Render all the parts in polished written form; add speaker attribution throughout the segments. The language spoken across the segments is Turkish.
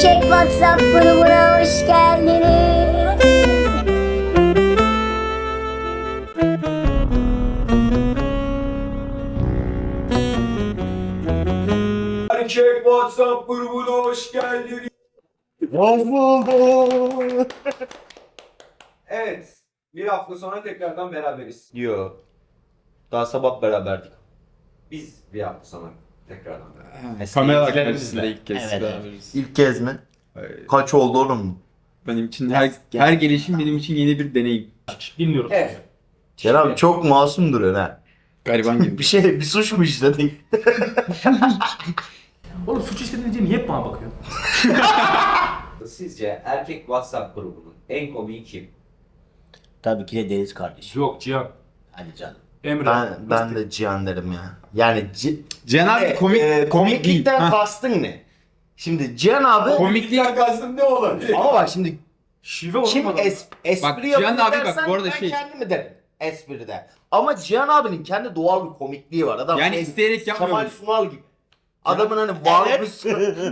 Speaker 1: Erkek WhatsApp grubuna hoş geldiniz.
Speaker 2: Erkek WhatsApp grubuna hoş geldiniz.
Speaker 3: Hoş bulduk.
Speaker 2: Evet, bir hafta sonra tekrardan beraberiz.
Speaker 3: Yo. Daha sabah beraberdik.
Speaker 2: Biz bir hafta sonra tekrardan beraberiz.
Speaker 4: Kameralar karşısında ilk kez
Speaker 3: Evet.
Speaker 4: beraberiz.
Speaker 3: İlk kez mi?
Speaker 4: Evet.
Speaker 3: Kaç oldu oğlum?
Speaker 4: Benim için her gelişim benim için yeni bir deneyim.
Speaker 5: Bilmiyorum.
Speaker 2: Evet.
Speaker 3: Kerem çok masum duruyor ha.
Speaker 4: Gariban gibi.
Speaker 3: Bir suç mu işledin?
Speaker 5: Oğlum suç işledin niye hep bana bakıyorsun?
Speaker 2: Sizce erkek WhatsApp grubunun en komiği kim?
Speaker 6: Tabii ki de Deniz kardeşim.
Speaker 5: Yok Cihan.
Speaker 6: Hadi canım.
Speaker 5: Emre.
Speaker 3: Ben de Cihan derim ya. Yani
Speaker 4: Cihan abi komik
Speaker 3: komiklikten
Speaker 4: değil. Ha.
Speaker 3: kastın ne? Şimdi Cihan abi
Speaker 4: Komiklik
Speaker 2: kastım ne olabilir?
Speaker 3: ama bak şimdi
Speaker 5: Şive olur
Speaker 3: kim
Speaker 5: mu?
Speaker 3: espri
Speaker 4: Bak,
Speaker 3: yapıyor
Speaker 4: Cihan abi bak,
Speaker 3: dersen
Speaker 4: bu arada
Speaker 3: ben
Speaker 4: şey-
Speaker 3: kendimi derim espride. Ama Cihan abinin kendi doğal bir komikliği var. Adam
Speaker 4: Yani isteyerek yapmıyor
Speaker 3: Kemal
Speaker 4: mu?
Speaker 3: Sunal gibi. Adamın hani varlığı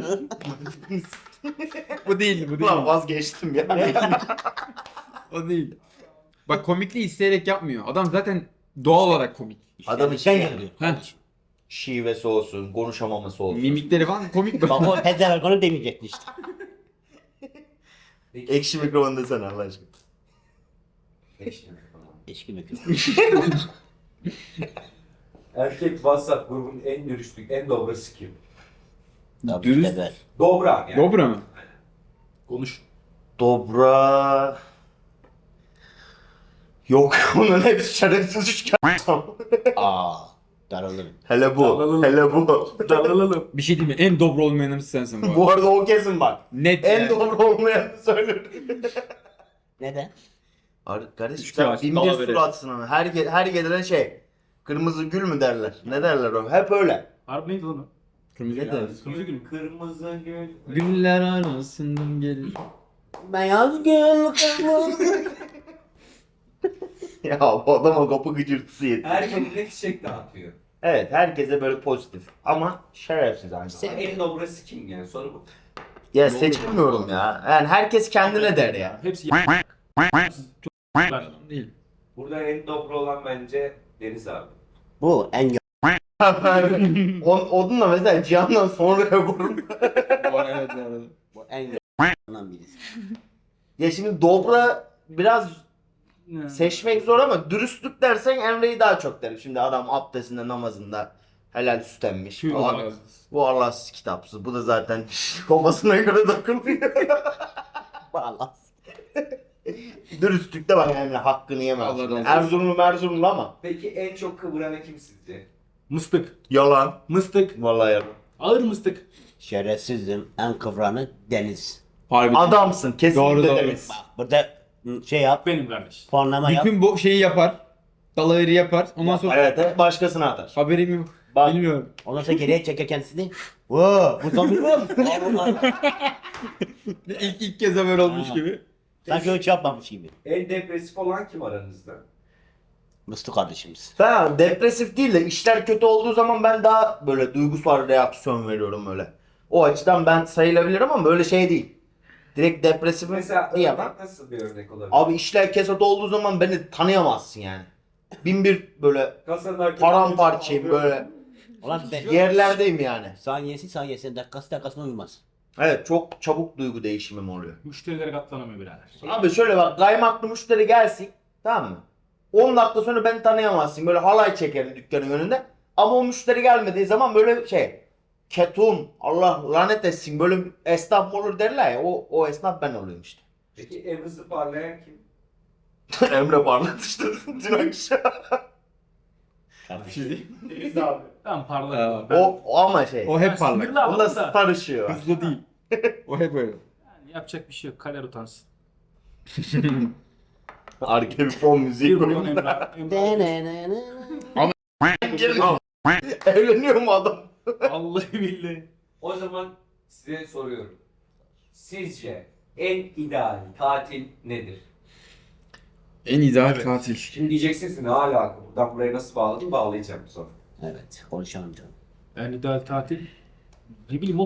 Speaker 4: bu değil bu
Speaker 3: Ulan vazgeçtim ya.
Speaker 4: O değil. Bak komikliği isteyerek yapmıyor. Adam zaten doğal olarak komik.
Speaker 3: Adamın
Speaker 6: Sen
Speaker 3: şey,
Speaker 6: geliyor.
Speaker 4: Heh.
Speaker 3: şivesi olsun, konuşamaması olsun.
Speaker 4: Mimikleri falan komik.
Speaker 6: Bak o pezevenk onu demeyecektin işte.
Speaker 3: Ekşi mikrofon desene Allah aşkına.
Speaker 6: Eşki mi?
Speaker 2: Erkek WhatsApp grubunun en dürüstlük, en dobrası kim?
Speaker 6: Tabii
Speaker 4: Dürüst.
Speaker 6: ki de ben.
Speaker 2: Dobra yani.
Speaker 4: Dobra mı?
Speaker 5: Konuş.
Speaker 3: Dobra... Yok onun hepsi şerefsiz üçgen.
Speaker 6: Aa, daralırım.
Speaker 3: Hele bu,
Speaker 5: Dalalım.
Speaker 3: hele bu.
Speaker 5: Dalalım.
Speaker 4: Bir şey diyeyim mi? En dobra olmayanımız sensin bu arada.
Speaker 3: Bu arada o kesin bak.
Speaker 4: Net
Speaker 3: En
Speaker 4: yani.
Speaker 3: doğru olmayanı söylerim.
Speaker 6: Neden?
Speaker 3: Kardeşim
Speaker 4: Üçgen
Speaker 3: sen
Speaker 4: aç,
Speaker 3: bin bir
Speaker 4: dala verir.
Speaker 3: suratsın ama her gelen şey. Kırmızı gül mü derler? Ne derler o? Hep öyle.
Speaker 5: Harbi neydi lan o?
Speaker 4: Kırmızı
Speaker 3: Ne
Speaker 4: da.
Speaker 5: Kırmızı gül.
Speaker 2: Kırmızı gül.
Speaker 4: Güller arasından gelir.
Speaker 6: Beyaz gül kırmızı.
Speaker 3: Ya bu adama kapı gıcırtısı yetiyor.
Speaker 2: Herkese çiçek dağıtıyor.
Speaker 3: Evet herkese böyle pozitif ama şerefsiz aynı zamanda.
Speaker 2: En dobrası kim yani? Soru bu.
Speaker 3: Ya seçilmiyorum ya. Yani herkes kendine der ya.
Speaker 5: Hepsi Çok ben.
Speaker 4: Değil.
Speaker 2: Burada en dobra olan bence Deniz abi.
Speaker 6: Bu en
Speaker 3: Onunla mesela Cihan'dan sonra korum.
Speaker 4: Evet bu arada.
Speaker 6: bu en yalan birisi.
Speaker 3: Ya şimdi dobra biraz seçmek zor ama dürüstlük dersen Emre'yi daha çok derim. Şimdi adam abdestinde namazında helal süt emmiş.
Speaker 5: Tüy
Speaker 3: Bu-
Speaker 5: olarak.
Speaker 3: Bu Allahsız kitapsız. Bu da zaten kafasına göre takılıyor.
Speaker 6: Vallahi.
Speaker 3: Dürüstlükte bak Emre hakkını yemez.
Speaker 4: Allah razı olsun.
Speaker 3: Erzurumlu ama.
Speaker 2: Peki en çok kıvıran kim sizce?
Speaker 5: Mıstık.
Speaker 3: Yalan.
Speaker 5: Mıstık.
Speaker 3: Vallahi yalan.
Speaker 5: Ağır mıstık.
Speaker 6: Şerefsizim. En kıvranı Deniz.
Speaker 4: Harbi.
Speaker 3: Adamsın kesinlikle
Speaker 4: Doğru, doğru.
Speaker 3: Deniz.
Speaker 6: Bak burada şey yap.
Speaker 5: Benim kardeş.
Speaker 6: Puanlama yap.
Speaker 4: Bütün bu şeyi yapar. Dalayırı yapar. Ondan sonra
Speaker 3: Evet başkasına atar.
Speaker 4: haberim yok.
Speaker 3: Bak
Speaker 4: Bilmiyorum.
Speaker 6: Ondan sonra geriye çeker kendisini. Voo, bu zombi mi?
Speaker 4: İlk kez haber olmuş
Speaker 6: Ha.
Speaker 4: gibi.
Speaker 6: Sanki hiç yapmamış gibi.
Speaker 2: En depresif olan kim aranızda?
Speaker 6: Mıstık kardeşimiz.
Speaker 3: ben depresif değil de işler kötü olduğu zaman ben daha böyle duygusal reaksiyon veriyorum öyle. O açıdan ben sayılabilirim ama böyle şey değil. Direkt depresif
Speaker 2: Mesela
Speaker 3: diyemem.
Speaker 2: örnek nasıl bir örnek olabilir?
Speaker 3: Abi işler kesat olduğu zaman beni tanıyamazsın yani. Bin bir böyle
Speaker 2: Kasanın arkasında
Speaker 3: paramparçayım böyle
Speaker 6: Ulan ben
Speaker 3: yerlerdeyim yani.
Speaker 6: saniyesi dakikasına uymaz.
Speaker 3: Evet çok çabuk duygu değişimim oluyor.
Speaker 5: Müşterilere katlanamıyor birader.
Speaker 3: Abi şöyle bak kaymaklı müşteri gelsin tamam mı? 10 dakika sonra beni tanıyamazsın böyle halay çekerim dükkanın önünde. Ama o müşteri gelmediği zaman böyle şey ketum Allah lanet etsin böyle bir esnaf mı olur derler ya o esnaf ben oluyorum işte.
Speaker 2: Peki en hızlı parlayan kim?
Speaker 3: Emre parladı işte dün akşam.
Speaker 5: Deniz abi. Tamam parlak.
Speaker 4: Aa,
Speaker 5: Ben-
Speaker 3: O ama şey.
Speaker 4: O hep parlak.
Speaker 5: sinirli adamım
Speaker 3: Onunla
Speaker 5: da.
Speaker 3: star ışığı var.
Speaker 4: Hızlı değil. O hep öyle.
Speaker 5: Yani yapacak bir şey yok. Kaler utansın.
Speaker 3: Arkaya bir fon müziği
Speaker 5: Bir milyon
Speaker 3: koyuyorum.
Speaker 5: Emrah.
Speaker 3: Evleniyor mu adam?
Speaker 5: Vallahi billahi.
Speaker 2: O zaman size soruyorum. Sizce en ideal tatil nedir?
Speaker 4: En ideal katil.
Speaker 2: Şimdi diyeceksiniz ki ne alaka? Buradan buraya nasıl bağladım? Bağlayacağım sonra.
Speaker 6: Evet, konuşalım canım.
Speaker 5: Yani ideal tatil. Ne bileyim oğlum.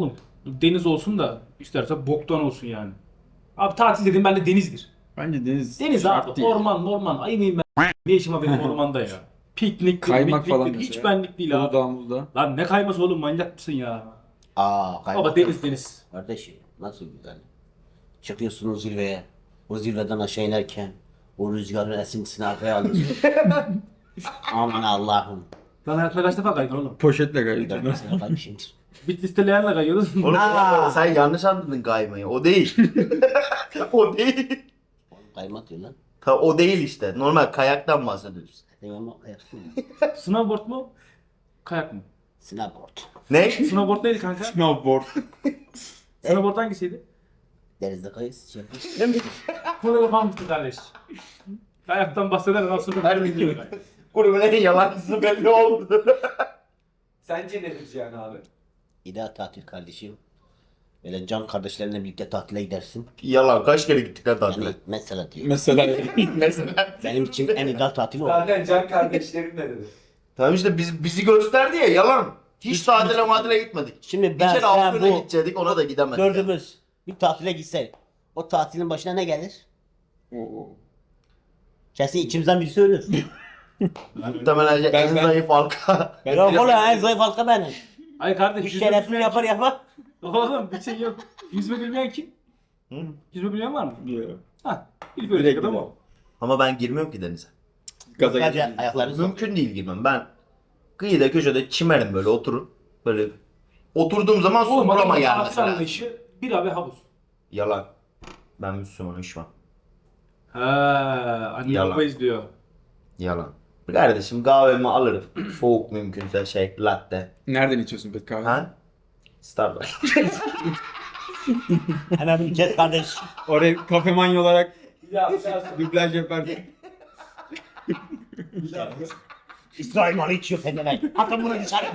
Speaker 5: Deniz olsun da istersen boktan olsun yani. Abi tatil dedim ben de denizdir.
Speaker 4: Bence deniz
Speaker 5: Deniz
Speaker 4: şart
Speaker 5: abi
Speaker 4: değil.
Speaker 5: orman ayı mıyım ben? Ne işim var benim ormanda ya? Piknik,
Speaker 4: Kaymak falan
Speaker 5: hiç
Speaker 4: mesela.
Speaker 5: benlik değil abi.
Speaker 4: Uludağ'ımızda.
Speaker 5: Lan ne kayması oğlum manyak mısın ya?
Speaker 6: Kaymak.
Speaker 5: Baba deniz.
Speaker 6: Kardeşim nasıl güzel. Çıkıyorsunuz zirveye. O zirveden aşağı inerken o rüzgarın esintisini arkaya alıyorsun. Aman Allah'ım.
Speaker 5: Lan hayatında kaç defa kaydın oğlum?
Speaker 4: Poşetle
Speaker 6: Bir
Speaker 4: gayet.
Speaker 6: dakika sana kaymışımdır.
Speaker 5: Bitlis'te leğenle kayıyordun.
Speaker 3: Oğlum
Speaker 6: Aa.
Speaker 3: sen yanlış anladın kaymayı. O değil. O değil.
Speaker 6: Kaymak diyor lan.
Speaker 3: O değil işte. Normal kayaktan bahsediyoruz.
Speaker 6: Eyvallah ayaksın.
Speaker 5: Snowboard mu? Kayak mı?
Speaker 6: Snowboard.
Speaker 3: Ne?
Speaker 5: Snowboard neydi kanka?
Speaker 4: Snowboard.
Speaker 5: Snowboard hangisiydi?
Speaker 6: Denizde kayız. Şey yapıyoruz.
Speaker 5: Bunu yapan mısın kardeş? Kayaktan bahseder nasıl bir
Speaker 3: Grubun en yalancısı belli oldu.
Speaker 2: Sence nedir Cihan abi?
Speaker 6: İdeal tatil kardeşim. Böyle can kardeşlerinle birlikte tatile gidersin.
Speaker 3: Yalan. Kaç kere gittik lan tatile?
Speaker 6: Yani mesela diyor.
Speaker 4: Mesela.
Speaker 3: Mesela.
Speaker 6: Benim için en ideal tatil o.
Speaker 2: Zaten can kardeşlerim ne dedi?
Speaker 3: Tamam işte bizi gösterdi ya yalan. Hiç tatile matile gitmedik.
Speaker 6: Şimdi
Speaker 3: Bir
Speaker 6: ben
Speaker 3: kere
Speaker 6: sen
Speaker 3: Afyon'a
Speaker 6: bu
Speaker 3: gidecektik ona da gidemedik.
Speaker 6: dördümüz bir tatile gitsek o tatilin başına ne gelir?
Speaker 4: Oo.
Speaker 6: Kesin içimizden birisi ölür.
Speaker 3: Muhtemelen en
Speaker 4: Ben-
Speaker 3: zayıf halka.
Speaker 6: Yok oğlum en zayıf halka benim.
Speaker 5: Ay kardeş
Speaker 6: Bir
Speaker 5: yüzme
Speaker 6: şerefini
Speaker 5: bilmeyen
Speaker 6: yapar yapar.
Speaker 5: kim? Oğlum bir şey yok. Yüzme bilmeyen kim?
Speaker 3: Hı?
Speaker 5: Yüzme bilmeyen var mı?
Speaker 4: Yok.
Speaker 5: Ha. İlk öyle
Speaker 4: Direkt
Speaker 5: adam
Speaker 4: gider.
Speaker 5: o.
Speaker 3: Ama ben girmiyorum ki denize.
Speaker 4: Gaza
Speaker 6: Sadece
Speaker 4: geldim.
Speaker 6: ayaklarını sok.
Speaker 3: Mümkün değil girmem. Ben kıyıda köşede çimerim böyle oturun. Böyle oturduğum zaman su
Speaker 5: Oğlum
Speaker 3: burama
Speaker 5: adamın
Speaker 3: gelmesi
Speaker 5: tatil
Speaker 3: lazım.
Speaker 5: anlayışı bir abi havuz.
Speaker 3: Yalan. Ben Müslümanım şu an.
Speaker 5: Ha, anne
Speaker 3: Yalan.
Speaker 5: baba izliyor.
Speaker 3: Yalan. Kardeşim kahvemi alırım. Soğuk mümkünse şey latte.
Speaker 4: Nereden içiyorsun peki kahve?
Speaker 3: Ha? Starbucks.
Speaker 6: Hemen bir kes kardeş.
Speaker 4: Oraya kafe manyo olarak
Speaker 2: Ya
Speaker 4: dublaj yaparsın.
Speaker 6: İsrail malı içiyor kendine. Atın bunu dışarı.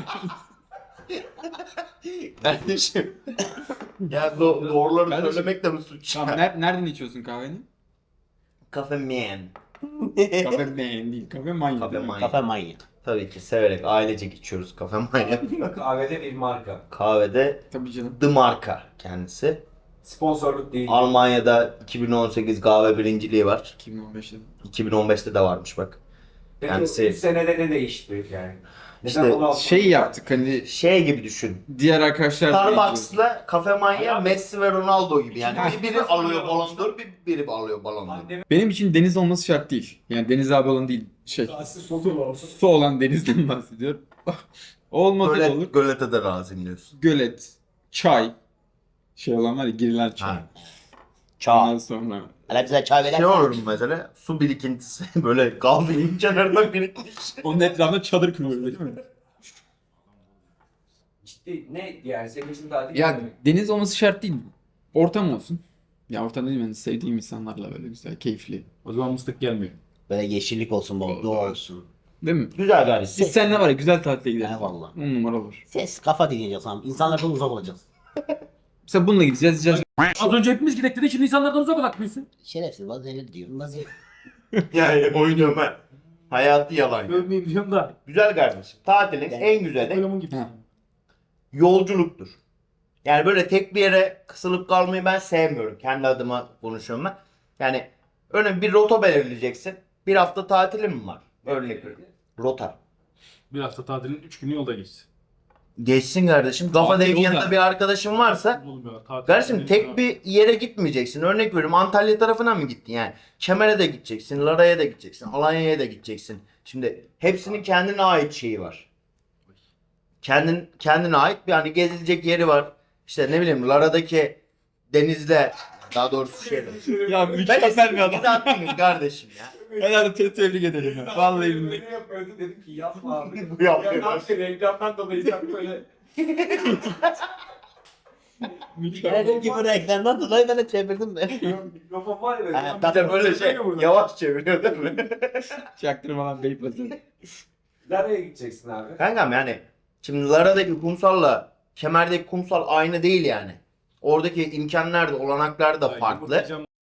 Speaker 3: Kardeşim. Ya doğruları
Speaker 4: Kardeşim.
Speaker 3: söylemek de mi suç?
Speaker 4: Tamam, nereden içiyorsun kahveni?
Speaker 3: Kafe man.
Speaker 4: Kafe man değil, kafe manyo.
Speaker 3: Kafe
Speaker 4: değil mi?
Speaker 3: manyo.
Speaker 6: Kafe manyak.
Speaker 3: Tabii ki severek ailecek içiyoruz kafe manyo.
Speaker 2: kahvede bir marka.
Speaker 3: Kahvede
Speaker 4: Tabii canım.
Speaker 3: The Marka kendisi.
Speaker 2: Sponsorluk değil.
Speaker 3: Almanya'da 2018 kahve birinciliği var.
Speaker 4: 2015'te.
Speaker 3: 2015'te de varmış bak.
Speaker 2: Peki
Speaker 3: kendisi-
Speaker 2: 3 senede ne değişti yani?
Speaker 3: İşte
Speaker 2: Neden bunu
Speaker 4: Şey yaptık hani
Speaker 3: Şey gibi düşün.
Speaker 4: diğer arkadaşlar da içiyor.
Speaker 3: Starbucks'la Cafe Manya Messi ve Ronaldo gibi yani. Biri alıyor Ballon d'Or, biri alıyor Ballon d'Or.
Speaker 2: Anneme
Speaker 4: Benim için deniz olması şart değil. Yani deniz abi olan değil. Su olan denizden bahsediyorum. Olmasa da olur.
Speaker 3: Gölete de razıyım diyorsun.
Speaker 4: Gölet, çay. Şey olan var ya girilen çay.
Speaker 3: Ha.
Speaker 6: Çağ.
Speaker 4: Ondan sonra
Speaker 6: Hele bize çay verir.
Speaker 3: Şey olur mu mesela? Su birikintisi böyle kahvenin kenarına birikmiş.
Speaker 4: onun etrafında çadır kuruluyor değil mi?
Speaker 2: ciddi ne yani senin için tatil
Speaker 4: Ya
Speaker 2: mi?
Speaker 4: deniz olması şart değil. Ortam olsun. Ya ortam değil mi? Sevdiğim insanlarla böyle güzel, keyifli.
Speaker 5: O zaman mıstık gelmiyor.
Speaker 6: Böyle yeşillik olsun bol, doğa olsun.
Speaker 4: Değil mi?
Speaker 3: Güzel kardeşim.
Speaker 4: Biz seninle var ya güzel tatile gideriz.
Speaker 6: Eyvallah.
Speaker 4: 10 numara olur.
Speaker 6: Ses kafa dinleyeceğiz abi. İnsanlardan uzak olacağız.
Speaker 4: Mesela bununla gideceğiz.
Speaker 5: Az önce hepimiz gidek dedi şimdi insanlardan uzak olak mısın?
Speaker 6: Şerefsiz bazen öyle diyorum. Bazen
Speaker 3: Yani oynuyorum ben. Hayatı yalan.
Speaker 5: Övmeyeyim diyorum da.
Speaker 3: Güzel kardeşim. Tatilin
Speaker 6: Yani-
Speaker 3: en güzeli
Speaker 5: Oyumun gibi.
Speaker 4: Ha.
Speaker 3: yolculuktur. Yani böyle tek bir yere kısılıp kalmayı ben sevmiyorum. Kendi adıma konuşuyorum ben. Yani örneğin bir rota belirleyeceksin. Bir hafta tatilim mi var? Örnek veriyorum. Rota.
Speaker 5: Bir hafta tatilin 3 günü yolda geçsin.
Speaker 3: Geçsin kardeşim. Kafa
Speaker 4: Tatil
Speaker 3: dengi
Speaker 4: yolda.
Speaker 3: yanında bir arkadaşın varsa
Speaker 5: Olmuyor. Tatil
Speaker 3: kardeşim tek bir yere gitmeyeceksin. Örnek veriyorum Antalya tarafına mı gittin yani? Kemer'e de gideceksin, Lara'ya da gideceksin, Alanya'ya da gideceksin. Şimdi hepsinin kendine ait şeyi var. Kendine ait bir hani gezilecek yeri var. İşte ne bileyim Lara'daki denizle daha doğrusu şeyde.
Speaker 4: Ya
Speaker 3: Ben
Speaker 4: mükemmel bir adam.
Speaker 3: attınız kardeşim ya.
Speaker 4: Herhalde tebrik ederim ya. Vallahi billahi.
Speaker 2: Ne yapıyordu dedim ki yapma abi.
Speaker 3: Bu yapıyor.
Speaker 2: Reklamdan dolayı sen böyle.
Speaker 6: Dedim ki bu reklamdan dolayı ben de çevirdim de.
Speaker 2: Mikrofon var ya.
Speaker 6: Ha,
Speaker 3: Bir de böyle şey yavaş çeviriyor değil mi?
Speaker 4: Çaktırmadan Beypazarı.
Speaker 2: Nereye gideceksin abi?
Speaker 3: Kankam yani şimdi Lara'daki kumsalla Kemer'deki kumsal aynı değil yani. Oradaki imkanlar da olanaklar da farklı.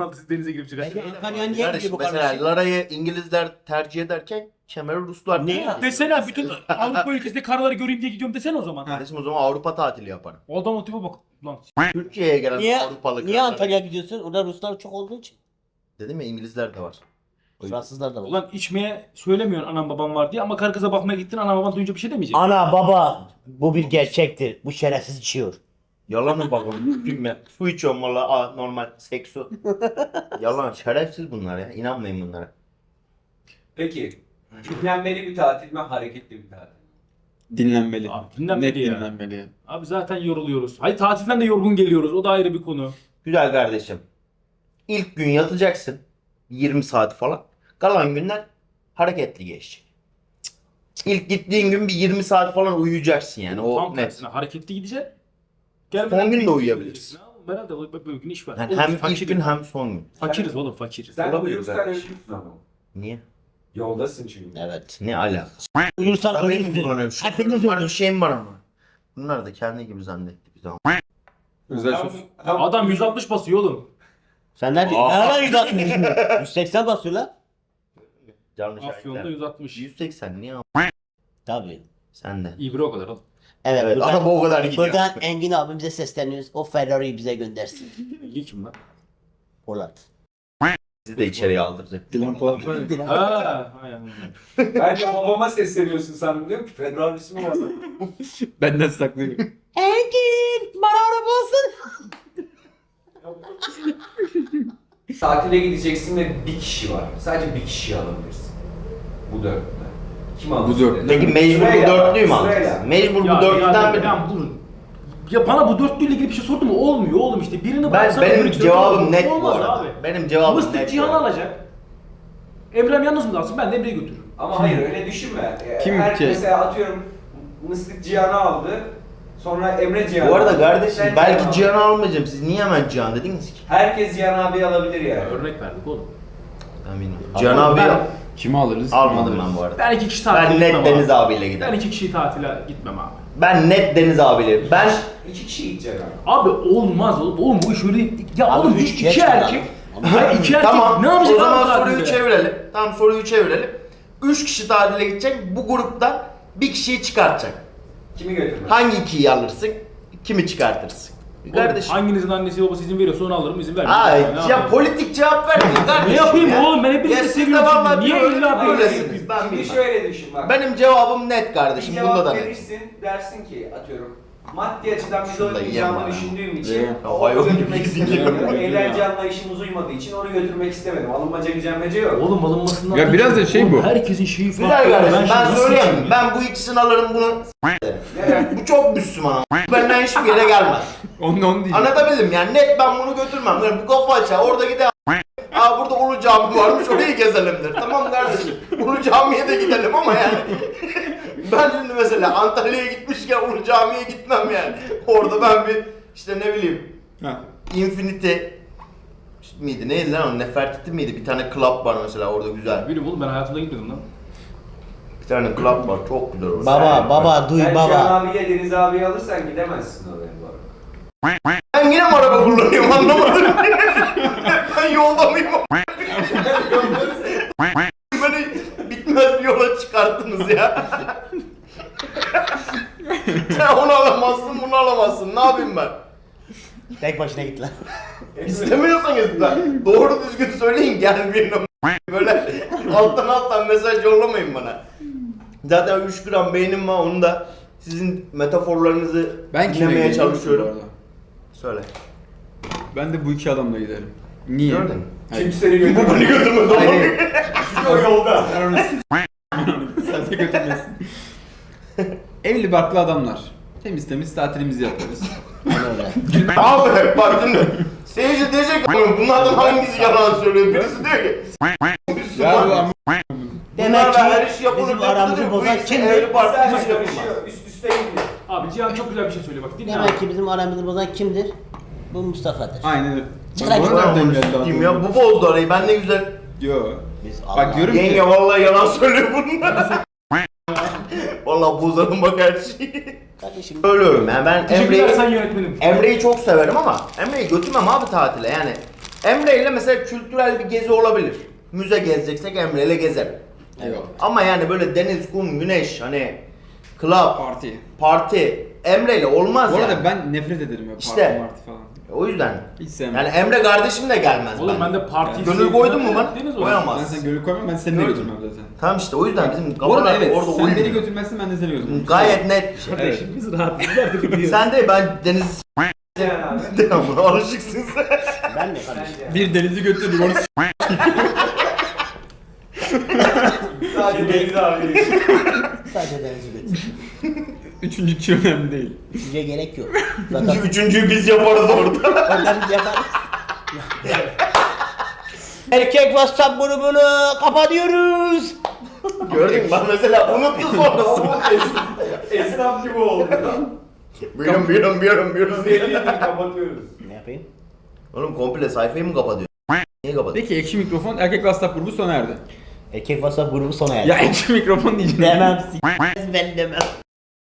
Speaker 5: Maltız denize girip çıkacak.
Speaker 6: Antalya niye
Speaker 3: Kardeşim
Speaker 6: gidiyor bu
Speaker 3: mesela
Speaker 6: kardeşim?
Speaker 3: Lara'yı İngilizler tercih ederken Kemer'i Ruslar
Speaker 6: Ne
Speaker 3: tercih
Speaker 6: ya?
Speaker 3: ediyor.
Speaker 5: Desene bütün Avrupa ülkesinde karları göreyim diye gidiyorum desene o zaman.
Speaker 3: Kardeşim o zaman Avrupa tatili yaparım.
Speaker 5: O adam o tipe bak. Lan
Speaker 3: Türkiye'ye gelen
Speaker 6: Niye,
Speaker 3: Avrupalı
Speaker 6: niye
Speaker 3: karlar.
Speaker 6: Antalya'ya gidiyorsun? Orada Ruslar çok olduğu için.
Speaker 3: Dedim ya İngilizler de var. O yüzden.
Speaker 6: Fransızlar da var.
Speaker 5: ulan içmeye söylemiyorsun anam babam var diye ama karı kıza bakmaya gittin anam baban duyunca bir şey demeyecek.
Speaker 6: Ana baba bu bir gerçektir. Bu şerefsiz içiyor.
Speaker 3: Yalan mı bakalım? Bilmem. Su içiyorum valla normal seksu. Yalan şerefsiz bunlar ya. İnanmayın bunlara.
Speaker 2: Peki, dinlenmeli bir tatil mi, hareketli bir tatil mi?
Speaker 4: Dinlenmeli.
Speaker 5: Abi dinlenmeli
Speaker 4: Net
Speaker 5: ya.
Speaker 4: dinlenmeli.
Speaker 5: Abi zaten yoruluyoruz. Hayır tatilden de yorgun geliyoruz. O da ayrı bir konu.
Speaker 3: Güzel kardeşim. İlk gün yatacaksın. 20 saat falan. Kalan günler hareketli geçecek. İlk gittiğin gün bir 20 saat falan uyuyacaksın yani. O
Speaker 5: Tam
Speaker 3: net.
Speaker 5: tersine hareketli gideceksin.
Speaker 3: Son gün de uyuyabilirsin.
Speaker 5: Herhalde böyle gün iş var.
Speaker 3: Yani
Speaker 5: Oğlum,
Speaker 3: hem
Speaker 5: fakiriz.
Speaker 3: ilk gün hem son gün.
Speaker 5: Fakiriz oğlum fakiriz.
Speaker 2: Sen
Speaker 3: Olabilir
Speaker 2: uyursan
Speaker 3: kardeşim.
Speaker 2: ölürsün ama.
Speaker 3: Niye?
Speaker 2: Yoldasın çünkü.
Speaker 6: Evet.
Speaker 3: Ne alakası?
Speaker 6: Uyursan
Speaker 3: Ben benim
Speaker 6: ölürsün.
Speaker 3: kullanıyorum.
Speaker 6: Hepiniz
Speaker 3: Var bir şeyim var ama. Bunlar da kendi gibi zannetti bir zaman.
Speaker 4: Özel sos.
Speaker 5: Adam 160 basıyor oğlum.
Speaker 6: Sen nerede?
Speaker 3: Aa.
Speaker 6: Ne ara 160? 180 basıyor lan.
Speaker 3: Canlı
Speaker 5: Afyon'da
Speaker 3: şahitler.
Speaker 5: 160.
Speaker 3: 180 niye ama?
Speaker 6: Tabii.
Speaker 3: Sen de.
Speaker 5: İbre o kadar oğlum.
Speaker 6: Evet,
Speaker 3: Evet, araba o kadar gidiyor.
Speaker 6: Buradan Engin abimize sesleniyoruz. O Ferrari'yi bize göndersin.
Speaker 5: İlgi kim lan?
Speaker 6: Polat.
Speaker 3: Sizi de içeriye aldıracak.
Speaker 4: Dilan Polat var ya.
Speaker 5: Ha, hay Allah.
Speaker 2: Ben de babama sesleniyorsun sandım, diyorum ki Federal ismi var.
Speaker 4: Benden saklıyor.
Speaker 6: Engin! Bana araba olsun.
Speaker 2: Tatile gideceksin ve bir kişi var. Sadece bir kişiyi alabilirsin. Bu dörtlüden. Kim alırsın?
Speaker 4: Bu dörtlü.
Speaker 3: Peki mecbur bu
Speaker 2: Sırayla,
Speaker 3: dörtlüyü mü
Speaker 2: sırayla.
Speaker 3: alacaksın? Mecbur
Speaker 5: Ya,
Speaker 3: bu dörtlüden
Speaker 5: ya,
Speaker 3: biri.
Speaker 5: ya, ya bana bu dörtlüyle ilgili bir şey sordun mu? Olmuyor oğlum işte. Birini
Speaker 3: Ben,
Speaker 5: bıraksan
Speaker 3: benim
Speaker 5: öbürü
Speaker 3: cevabım
Speaker 5: dörtlü
Speaker 3: net bu
Speaker 5: olmaz
Speaker 3: arada.
Speaker 5: abi.
Speaker 3: Benim cevabım
Speaker 5: Mıstık
Speaker 3: net.
Speaker 5: Cihan
Speaker 3: bu arada.
Speaker 5: alacak. Emre'm yalnız mı kalsın? Ben de Emre'yi götürürüm.
Speaker 2: Ama hayır öyle düşünme.
Speaker 4: Kim
Speaker 2: Her
Speaker 4: ki?
Speaker 2: mesela atıyorum Mıstık Cihan'ı aldı. Sonra Emre Cihan'ı
Speaker 3: Bu arada
Speaker 2: aldı.
Speaker 3: kardeşim
Speaker 2: Sen
Speaker 3: belki
Speaker 2: Cihan'ı
Speaker 3: Cihan'ı almayacağım. Siz niye hemen Cihan dediniz ki?
Speaker 2: Herkes Cihan abi alabilir yani.
Speaker 5: Örnek verdik oğlum.
Speaker 3: Ben bilmiyorum. Cihan abi
Speaker 4: Kimi alırız? kimi
Speaker 3: almadım
Speaker 4: alırız?
Speaker 3: ben bu arada.
Speaker 5: Ben 2 kişi tatile
Speaker 3: Ben
Speaker 5: gitmem
Speaker 3: net Deniz
Speaker 5: abi.
Speaker 3: abiyle
Speaker 5: Ben
Speaker 3: giderim.
Speaker 5: 2 kişi tatile gitmem abi.
Speaker 3: Ben net Deniz abiyle. Ben
Speaker 2: İki kişi gidecek abi.
Speaker 5: Abi olmaz oğlum. Oğlum bu iş öyle... Ya
Speaker 6: Abi
Speaker 5: oğlum
Speaker 6: üç
Speaker 5: iki
Speaker 6: geç
Speaker 5: erkek...
Speaker 6: adam.
Speaker 5: Hayır 2 erkek
Speaker 3: tamam.
Speaker 5: ne yapacak
Speaker 3: O zaman
Speaker 5: abi
Speaker 3: soruyu
Speaker 5: tatilde?
Speaker 3: çevirelim. Tamam soruyu çevirelim. 3 kişi tatile gidecek. Bu gruptan bir kişiyi çıkartacak.
Speaker 2: Kimi götürmez?
Speaker 3: Hangi ikiyi alırsın? Kimi çıkartırsın?
Speaker 5: Oğlum,
Speaker 3: Kardeşim.
Speaker 5: hanginizin annesi babası izin veriyorsa onu alırım, izin vermiyor.
Speaker 3: Ay
Speaker 5: Ne
Speaker 3: ya
Speaker 5: yapayım?
Speaker 3: politik cevap vermeyin kardeşim.
Speaker 5: Ne yapayım
Speaker 3: ya.
Speaker 5: oğlum? Ben hepinizi
Speaker 3: Ya siz de
Speaker 5: seviyorum
Speaker 3: vallahi
Speaker 5: çünkü. Niye
Speaker 3: böyle-
Speaker 5: illa böyle
Speaker 3: böylesiniz.
Speaker 5: yapayım?
Speaker 3: Ben
Speaker 2: Şimdi
Speaker 3: bilmem.
Speaker 2: şöyle düşün bak.
Speaker 3: Benim cevabım net
Speaker 2: bir
Speaker 3: kardeşim. Bunda
Speaker 2: cevap
Speaker 3: da net.
Speaker 2: verirsin, dersin ki atıyorum maddi açıdan biz
Speaker 3: Şunu da
Speaker 2: oynamayacağını
Speaker 3: yiyemem
Speaker 2: düşündüğüm
Speaker 4: ya.
Speaker 2: için
Speaker 3: Ya,
Speaker 2: onu
Speaker 3: hayvan
Speaker 2: götürmek
Speaker 3: gibi
Speaker 2: istemedim.
Speaker 4: yiyorum.
Speaker 2: Eğlence anlayışımız uymadığı için onu götürmek istemedim. Alınmaca gücenmece yok.
Speaker 5: Oğlum alınmasından...
Speaker 4: Ya biraz da şey
Speaker 5: Oğlum,
Speaker 4: bu.
Speaker 5: Herkesin şeyi farklı.
Speaker 3: Güzel kardeşim
Speaker 5: şimdi
Speaker 3: ben
Speaker 5: nasıl
Speaker 3: söyleyeyim.
Speaker 5: seçeyim ya?
Speaker 3: Ben bu ikisini alırım bunu.
Speaker 2: Neden?
Speaker 3: Bu çok Müslüman ama. Benden hiçbir yere gelmez.
Speaker 4: Onu diyeceğim.
Speaker 3: Anlatabildim yani net ben bunu götürmem. Yani bu kafa açar orada gider. Aa burada Ulu Cami varmış orayı gezelimdir. Tamam kardeşim. Ulu Cami'ye de gidelim ama yani. Ben şimdi mesela Antalya'ya gitmişken Ulu Cami'ye gitmem yani. Orada ben bir işte ne bileyim
Speaker 4: Ha.
Speaker 3: Infinity miydi neydi lan o Nefertiti miydi? Bir tane club var mesela orada güzel.
Speaker 5: Bilmiyorum oğlum ben hayatımda gitmedim lan.
Speaker 3: Bir tane club var çok güzel orası.
Speaker 6: Baba duy
Speaker 2: Sen
Speaker 6: baba.
Speaker 2: Cihan abiye Deniz abiyi alırsan gidemezsin oraya bu arada.
Speaker 3: Ben yine mi araba kullanıyorum anlamadım. Ben yolda mıyım? Beni bitmez bir yola çıkarttınız ya. Sen onu alamazsın, bunu alamazsın. Ne yapayım ben?
Speaker 6: Tek başına git lan.
Speaker 3: İstemiyorsanız da doğru düzgün söyleyin gelmeyin. Böyle alttan mesaj yollamayın bana. Zaten 3 gram beynim var onu da sizin metaforlarınızı
Speaker 4: Ben kime
Speaker 3: dinlemeye
Speaker 4: gidiyorum
Speaker 3: çalışıyorum.
Speaker 4: bu arada?
Speaker 3: Söyle.
Speaker 4: Ben de bu iki adamla giderim. Niye?
Speaker 3: Gördün mü?
Speaker 4: Hayır.
Speaker 2: Kim seni götürmez?
Speaker 3: Bu beni götürmedi oğlum.
Speaker 4: Hayır.
Speaker 2: O yolda.
Speaker 4: Sen de götürmesin. Evli barklı adamlar. Temiz temiz tatilimizi yaparız.
Speaker 6: Aynen öyle.
Speaker 3: Abi bak şimdi seyirci diyecek ki bunlardan hangisi yalan söylüyor? Birisi diyor ki
Speaker 4: Ya bu
Speaker 3: Müslüman.
Speaker 4: ama
Speaker 6: Demek
Speaker 3: Bunlarla
Speaker 6: ki
Speaker 3: her iş yapılır
Speaker 6: bizim
Speaker 3: dedi,
Speaker 6: aramızı
Speaker 3: bu
Speaker 6: bozan
Speaker 3: işte
Speaker 6: kimdir?
Speaker 3: evli barklı
Speaker 2: Sadece
Speaker 3: yapılmaz.
Speaker 2: karışıyor. Üst üste gidiyor.
Speaker 5: Abi Cihan çok güzel bir şey söylüyor bak dinle
Speaker 6: Demek
Speaker 5: abi.
Speaker 6: ki bizim aramızı bozan kimdir? Bu Mustafa'dır.
Speaker 4: aynen öyle.
Speaker 6: Çıkar
Speaker 4: Bak,
Speaker 6: git.
Speaker 4: bana
Speaker 3: Ben
Speaker 4: nereden
Speaker 3: onu
Speaker 4: geldi
Speaker 3: sikeyim
Speaker 4: adam?
Speaker 3: ya bu bozdu arayı ben ne güzel.
Speaker 4: Yo.
Speaker 6: Biz
Speaker 4: Bak diyorum
Speaker 3: Yenge
Speaker 4: ki.
Speaker 3: vallahi yalan söylüyor bunlar. Vallahi bozarım bak her şeyi.
Speaker 6: Kardeşim
Speaker 3: Söylüyorum yani ben
Speaker 5: Teşekkürler
Speaker 3: Emre'yi
Speaker 5: sen yönetmenim.
Speaker 3: Emre'yi çok severim ama Emre'yi götürmem abi tatile yani. Emre ile mesela kültürel bir gezi olabilir. Müze gezeceksek Emre ile gezerim.
Speaker 4: Eyvallah.
Speaker 3: Ama yani böyle deniz, kum, güneş hani club,
Speaker 4: Parti.
Speaker 3: parti Emre ile olmaz
Speaker 4: Bu arada
Speaker 3: yani.
Speaker 4: ben nefret ederim ya
Speaker 3: İşte.
Speaker 4: parti falan.
Speaker 3: O yüzden.
Speaker 4: Hiç sevmem.
Speaker 3: Yani Emre kardeşim de gelmez.
Speaker 5: Oğlum ben
Speaker 3: bence.
Speaker 5: de parti
Speaker 3: Gönül koydun mu bana?
Speaker 5: Deniz olsun.
Speaker 4: Ben
Speaker 3: Koyamaz.
Speaker 4: sen gönül koymam, ben seni de
Speaker 3: Gördüm.
Speaker 4: götürmem zaten.
Speaker 3: Tamam işte o yüzden bizim
Speaker 4: Bu arada
Speaker 3: kafalar
Speaker 4: evet,
Speaker 3: orada
Speaker 4: sen beni
Speaker 3: uymuyor.
Speaker 4: götürmezsin, ben de seni götürmem.
Speaker 3: Gayet net bir şey.
Speaker 5: Kardeşim biz rahatız. Artık gidiyoruz.
Speaker 3: Sen de ben deniz
Speaker 2: Yani abi.
Speaker 3: devamlı alışıksın sen.
Speaker 6: Ben de kardeşim.
Speaker 4: Bir denizi götürdüm onu
Speaker 2: Sadece Deniz abi.
Speaker 6: Sadece denizi götür.
Speaker 4: Üçüncü kişi önemli değil.
Speaker 6: Size gerek yok. Zaten
Speaker 3: Üçüncüyü biz yaparız orada.
Speaker 6: oradan biz yaparız. Erkek WhatsApp grubunu kapatıyoruz.
Speaker 3: Gördün mü? Ben mesela unuttu sonra.
Speaker 2: Esnaf gibi oldu.
Speaker 3: Buyurun.
Speaker 2: Seriyi kapatıyoruz.
Speaker 6: Ne yapayım?
Speaker 3: Oğlum komple sayfayı mı kapatıyor? Niye kapatıyor?
Speaker 4: Peki ekşi mikrofon erkek WhatsApp grubu sona erdi.
Speaker 6: Erkek WhatsApp grubu sona erdi.
Speaker 4: Ya ekşi mikrofon diyeceğim.
Speaker 6: Demem s*** ben demem.